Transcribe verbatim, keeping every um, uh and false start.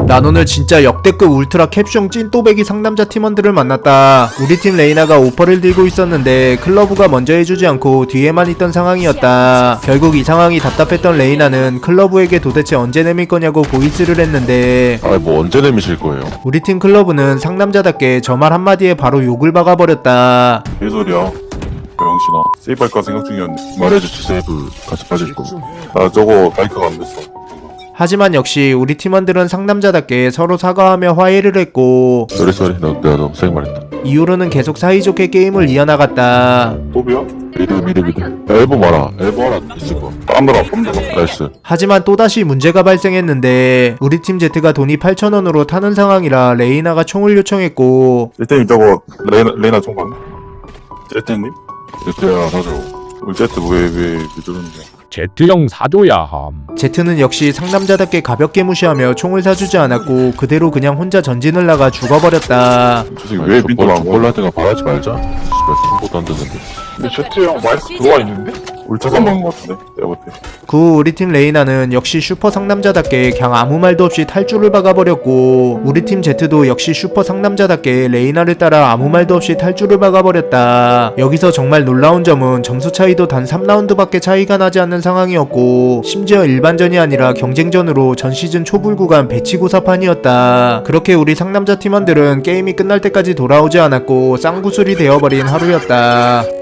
난 오늘 진짜 역대급 울트라 캡숑 찐또배기 상남자 팀원들을 만났다. 우리 팀 레이나가 오퍼를 들고 있었는데 클러브가 먼저 해주지 않고 뒤에만 있던 상황이었다. 결국 이 상황이 답답했던 레이나는 클러브에게 도대체 언제 내밀 거냐고 보이스를 했는데 아 뭐 언제 내미실 거예요? 우리 팀 클러브는 상남자답게 저 말 한마디에 바로 욕을 박아버렸다. 개소리야. 병신아. 세이브할까 생각 중이었는데. 말해줬지 세이브 같이 빠질 거. 나 저거 마이크가 안 됐어. 하지만 역시 우리 팀원들은 상남자답게 서로 사과하며 화해를 했고 쏘리 쏘리 너 내가 너무 세게 말했다. 이후로는 계속 사이좋게 게임을 이어나갔다. 또비야? 미드 미드 미드. 야, 엘보 마라. 엘보 하나 있을 거. 빰들아 빰들아. 나이스. 하지만 또다시 문제가 발생했는데 우리 팀 제트가 돈이 팔천 원으로 타는 상황이라 레이나가 총을 요청했고 제트님 저거 레이나, 레이나 총관. 제트님? 제트야 사줘. 우리 제트 왜왜 저러는데. 제트형 사줘야 함. 제트는 역시 상남자답게 가볍게 무시하며 총을 사주지 않았고 그대로 그냥 혼자 전진을 나가 죽어버렸다. 저 새끼 왜 빈도 안 몰라 때가 바라지 말자. 씨발 팀보도 안 되는데. 근데 제트 형 마이크 들어와 있는데? 울차서 먹은 것 같은데? 내가 볼 때. 그 후 우리 팀 레이나는 역시 슈퍼 상남자답게 그냥 아무 말도 없이 탈주를 박아버렸고 우리 팀 제트도 역시 슈퍼 상남자답게 레이나를 따라 아무 말도 없이 탈주를 박아버렸다. 여기서 정말 놀라운 점은 점수 차이도 단 삼 라운드밖에 차이가 나지 않는 상황이었고 심지어 일반전이 아니라 경쟁전으로 전 시즌 초불 구간 배치고사판이었다. 그렇게 우리 상남자 팀원들은 게임이 끝날 때까지 돌아오지 않았고 쌍구슬이 되어버린 하루였다.